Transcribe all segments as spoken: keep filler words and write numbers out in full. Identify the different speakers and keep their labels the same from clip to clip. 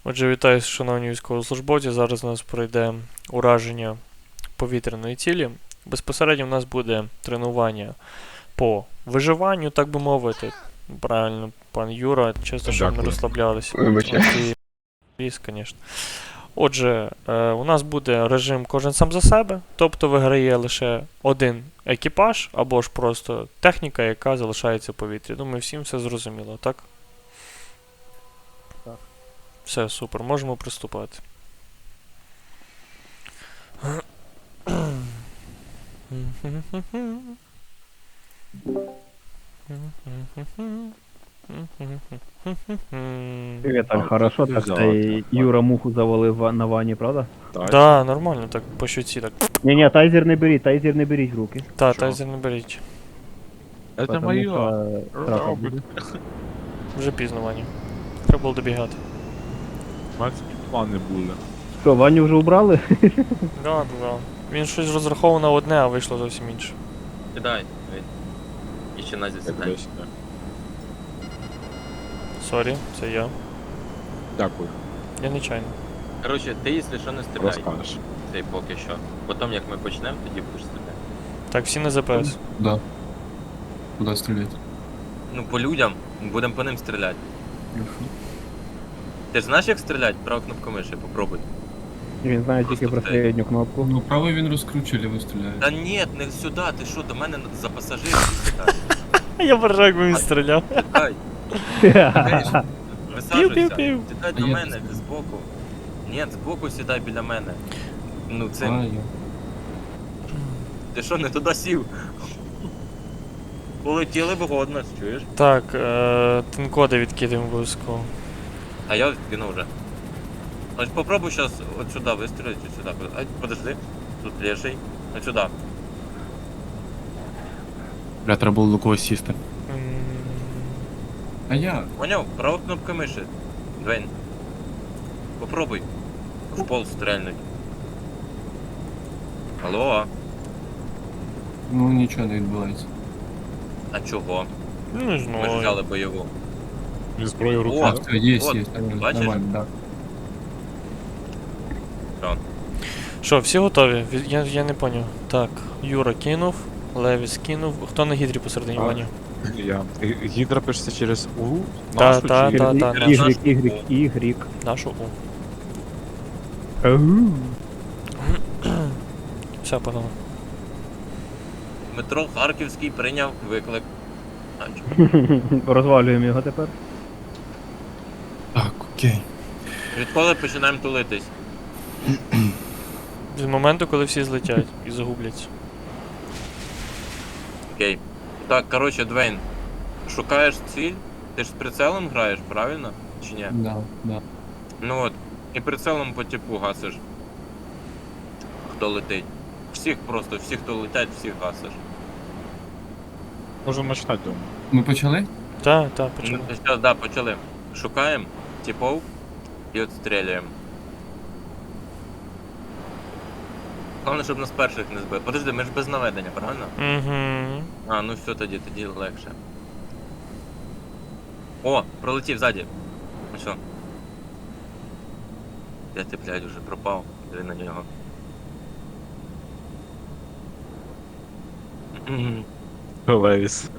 Speaker 1: Отже, вітаю, шановні військовослужбовці. Зараз у нас пройде ураження повітряної цілі. Безпосередньо в нас буде тренування по виживанню, так би мовити. Правильно, пан Юра, чисто, щоб не
Speaker 2: Дякую.
Speaker 1: розслаблялися.
Speaker 2: Вибачте.
Speaker 1: Ліс, звісно. Отже, е, у нас буде режим кожен сам за себе, тобто виграє лише один екіпаж, або ж просто техніка, яка залишається в повітрі. Думаю, всім все зрозуміло, так?
Speaker 3: Так.
Speaker 1: Все, супер, можемо приступати.
Speaker 3: Привет, так хорошо,
Speaker 2: ти
Speaker 3: так
Speaker 2: взяла,
Speaker 3: цей
Speaker 2: так,
Speaker 3: Юра муху завалив ва- на ванні, правда?
Speaker 2: Так.
Speaker 1: Да, нормально, так по щуці, так.
Speaker 3: Ні, ні, тайзер не беріть, тайзер не беріть в руки.
Speaker 1: Та,
Speaker 2: Що?
Speaker 1: тайзер не беріть.
Speaker 2: Это
Speaker 3: потому
Speaker 2: моє.
Speaker 3: що штрафа
Speaker 2: Робить.
Speaker 3: буде.
Speaker 1: Вже пізно, Ваня. Треба було добігати.
Speaker 2: У мене такі плани були.
Speaker 3: Що, Ваню вже убрали?
Speaker 1: Да, да, да. Він щось розраховував на одне, а вийшло зовсім інше.
Speaker 4: Кидай. І ще Назі
Speaker 2: Як
Speaker 4: сідай.
Speaker 2: десь, да.
Speaker 1: Сорі, це я.
Speaker 2: Дякую.
Speaker 1: Я нечайно.
Speaker 4: Коротше, ти, якщо що, не стріляй.
Speaker 2: Розкажеш.
Speaker 4: Цей поки що. Потім, як ми почнемо, тоді будеш стріляти.
Speaker 1: Так, всі на ЗПС.
Speaker 5: Да. Куда стрелять?
Speaker 4: Ну, по людям, будемо по ним стріляти. Ти ж знаєш, як стріляти? Права кнопку миші, попробуй.
Speaker 3: Він знає тільки
Speaker 4: Просто
Speaker 3: про середню кнопку.
Speaker 5: Ну, правый він розкручили, ви стріляєте.
Speaker 4: Та ні, не сюди, ти що, до мене за пасажирів сідай.
Speaker 1: Я бажаю, якби він стріляв.
Speaker 4: Сідай, висаджуйся.
Speaker 1: Пів-пів-пів.
Speaker 4: Сідай
Speaker 5: А
Speaker 4: до
Speaker 5: я
Speaker 4: мене,
Speaker 5: не
Speaker 4: ти збоку. Ні, збоку сідай біля мене. Ну, це,
Speaker 5: А, я.
Speaker 4: ти що, не туди сів? Полетіли б годно, чуєш?
Speaker 1: Так, е, тинкоди відкидаємо обов'язково.
Speaker 4: А я кинув вже. Ось попробуй сейчас от сюда выстрелить, вот сюда. Ай, подожди. Тут леший. Вот сюда.
Speaker 5: Бля, треба було до когось сісти.
Speaker 1: М,
Speaker 5: А я?
Speaker 4: Понял? Права кнопка мыши. Двейн. Попробуй. В пол стрельнуть. Алло.
Speaker 5: Ну нічого не відбувається.
Speaker 4: А чого?
Speaker 1: Ну, не
Speaker 4: Ми ж
Speaker 1: знаю.
Speaker 4: взяли бойову.
Speaker 2: І зброю в
Speaker 4: О!
Speaker 2: руках.
Speaker 5: Все, є,
Speaker 4: от,
Speaker 5: є.
Speaker 4: бачиш?
Speaker 5: Нормально, да.
Speaker 1: Що, всі готові? Від- Я, я не поняв. Так, Юра кинув, Левіс кинув. Хто на гідрі посередині,
Speaker 2: А.
Speaker 1: Ваня?
Speaker 2: Я. І- Гідра пишеться через У?
Speaker 1: Та,
Speaker 2: Нашу
Speaker 1: та,
Speaker 2: чи-
Speaker 1: та.
Speaker 3: Ігрік, ігрік, ігрік.
Speaker 1: Нашу У.
Speaker 3: Ау.
Speaker 1: Все, погнали.
Speaker 4: Дмитро Харківський прийняв виклик. А, чого?
Speaker 3: Розвалюємо його тепер.
Speaker 5: Так, окей.
Speaker 4: Відколи починаємо тулитись?
Speaker 1: З моменту, коли всі злетять і загубляться.
Speaker 4: Окей. Так, коротше, Двейн. Шукаєш ціль? Ти ж з прицелом граєш, правильно? Чи ні?
Speaker 5: Да, да.
Speaker 4: Ну от, і прицелом по типу гасиш. Хто летить. Всіх просто, всі, хто летять, всіх гасиш.
Speaker 2: Можемо починати, думаю.
Speaker 5: Ми почали?
Speaker 1: Так, так, почали.
Speaker 4: Ну, зараз, да, почали. Шукаємо типов і отстрілюємо. Головне, щоб нас перших не збили. Подожди, ми ж без наведення, правильно?
Speaker 1: Угу.
Speaker 4: А, ну все тоді, тоді легше. О, пролетів ззаді. Ну що? Де ти, блядь, уже пропав? Диви на нього. Мгм.
Speaker 2: Левіс.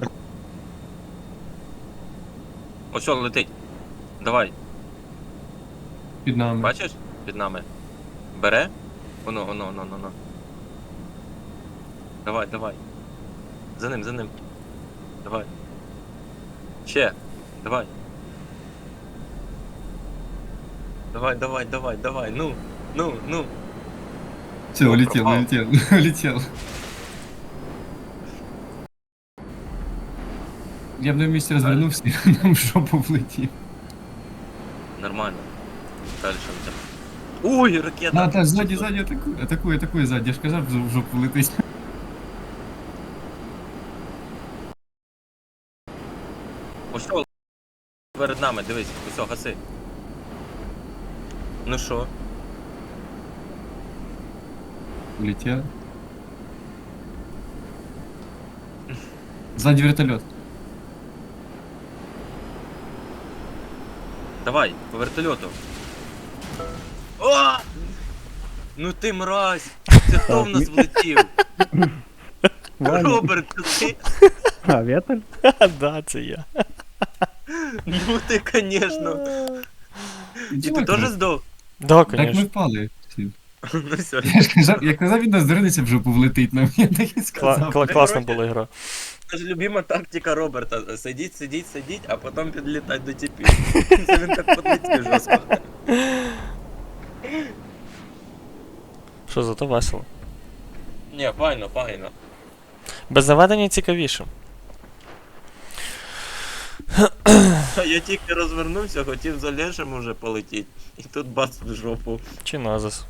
Speaker 4: Ось що, летить. Давай,
Speaker 5: Під нами.
Speaker 4: бачиш? Під нами. Бере? Оно, оно, оно, оно, оно. Давай, давай. За ним, за ним. Давай. Ще. Давай. Давай, давай, давай, давай. Ну, ну, ну.
Speaker 5: Все,
Speaker 4: Ну,
Speaker 5: улетел,
Speaker 4: пропав.
Speaker 5: улетел, улетел. Я б на місці розвернувся і нам в жопу влетів.
Speaker 4: Нормально. Дальше у тебя. Ой, ракета!
Speaker 5: Да, да, ззаді, ззаді атакує, атакує, атакує ззаді. Я ж казав, в жопу летить.
Speaker 4: Ось що перед нами, дивись, ось гаси. Ну що?
Speaker 5: Улетел. Сзади вертолет.
Speaker 4: Давай, по вертольоту. О! Ну ти мразь! Це хто в нас влетів?
Speaker 3: Ваня.
Speaker 4: Роберт, це ти?
Speaker 3: А, Вєталь?
Speaker 1: Да, це я.
Speaker 4: Ну ти, конечно. І ти теж здох?
Speaker 1: Да,
Speaker 5: Так ми
Speaker 1: конечно.
Speaker 5: впали. всі.
Speaker 4: Ну все.
Speaker 5: Я ж казав, я казав, він нас зринеться в жопу влетить нам. Я так і
Speaker 1: Кла-
Speaker 5: сказав.
Speaker 1: кла- класна була гра.
Speaker 4: Це ж любима тактика Роберта. Сидіть, сидіть, сидіть, а потім підлітати до тіпів. Це він так подлетів жорстко.
Speaker 1: Що, зато весело.
Speaker 4: Ні, файно, файно.
Speaker 1: Без наведення цікавіше.
Speaker 4: Я тільки розвернувся, хотів за Лешем уже полетіти. І тут бац в жопу.
Speaker 1: Чи назис.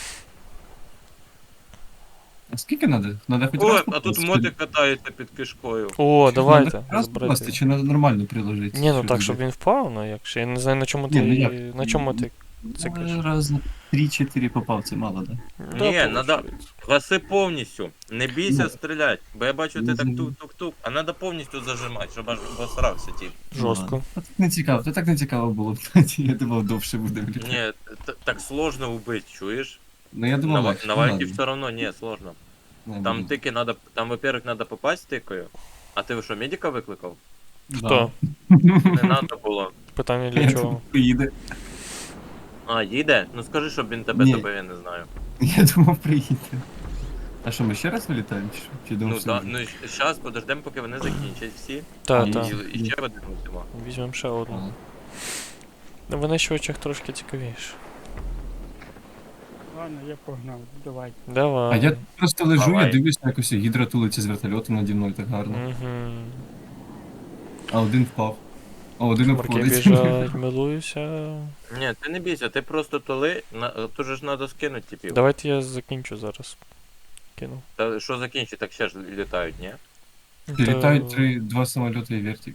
Speaker 5: А скільки надо? Надо хоч
Speaker 4: О,
Speaker 5: раз
Speaker 4: а тут
Speaker 5: попасти?
Speaker 4: моти катаються під кишкою.
Speaker 1: О,
Speaker 5: Надо
Speaker 1: давайте.
Speaker 5: хоч раз
Speaker 1: збирайте.
Speaker 5: попасти, чи надо нормально приложити?
Speaker 1: Ні, ну
Speaker 5: Що
Speaker 1: так, щоб
Speaker 5: робити?
Speaker 1: він впав, ну якщо. Я не знаю, на чому
Speaker 5: Ні,
Speaker 1: ти.
Speaker 5: ну як?
Speaker 1: На чому ти циклиш.
Speaker 5: Ну, раз на три-чотири попав, це мало, да?
Speaker 4: Ні,
Speaker 1: Да,
Speaker 4: надо-
Speaker 1: получається.
Speaker 4: Гаси повністю. Не бійся
Speaker 5: Ну.
Speaker 4: стріляти. Бо я бачу, ти так
Speaker 5: Мгм.
Speaker 4: тук-тук-тук, а треба повністю зажимати, щоб аж обосрався тип.
Speaker 1: Жорстко.
Speaker 5: А так не цікаво, то так не цікаво було. Я думав, довше буде, блін.
Speaker 4: Ні, т- так сложно вбити, чуєш?
Speaker 5: Ну я
Speaker 4: На,
Speaker 5: думав,
Speaker 4: ва-
Speaker 5: легше,
Speaker 4: на
Speaker 5: ну,
Speaker 4: вайті
Speaker 5: ладно.
Speaker 4: все равно не, сложно.
Speaker 5: Не,
Speaker 4: Там
Speaker 5: буду.
Speaker 4: тики надо, там, во-первых, надо попасть тикою. А ти що, медика викликав?
Speaker 1: Хто?
Speaker 4: Не надо було.
Speaker 1: Питання для
Speaker 5: Я
Speaker 1: чого?
Speaker 5: приїде.
Speaker 4: А, їде? Ну скажи, щоб він тебе
Speaker 5: Ні.
Speaker 4: тебе, я не знаю.
Speaker 5: Я думав, приїде. А що, ми ще раз вилітаємо? Чи, що? Чи
Speaker 4: Ну
Speaker 5: думав,
Speaker 4: да,
Speaker 5: що-
Speaker 4: ну зараз подождемо, поки вони закінчать всі.
Speaker 1: Та,
Speaker 5: Ні.
Speaker 1: та.
Speaker 4: І, і ще один усіма.
Speaker 1: Візьмемо ще одну.
Speaker 5: А.
Speaker 1: На винищувачах трошки цікавіше.
Speaker 6: Ладно, я погнав, давай.
Speaker 1: Давай.
Speaker 5: А я просто лежу,
Speaker 4: Давай.
Speaker 5: я дивлюсь, як ось гідра тулиться з вертольоту наді мною так гарно.
Speaker 1: Угу.
Speaker 5: А один впав. А один
Speaker 1: Шмарки
Speaker 5: обходить.
Speaker 1: біжать, милуюся.
Speaker 4: Ні, ти не бійся, ти просто толи, на, тут же ж треба скинути типів.
Speaker 1: Давайте я закінчу зараз. Кину.
Speaker 4: Та що закінчить, так ще ж літають, ні?
Speaker 5: Літають три, два самоліти і вертик.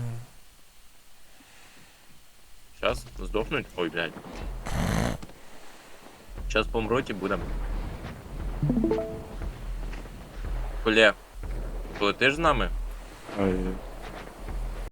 Speaker 4: Зараз здохнуть. Ой, блядь. Зараз помруть і будем. Коле, полетиш з нами?
Speaker 2: Ай,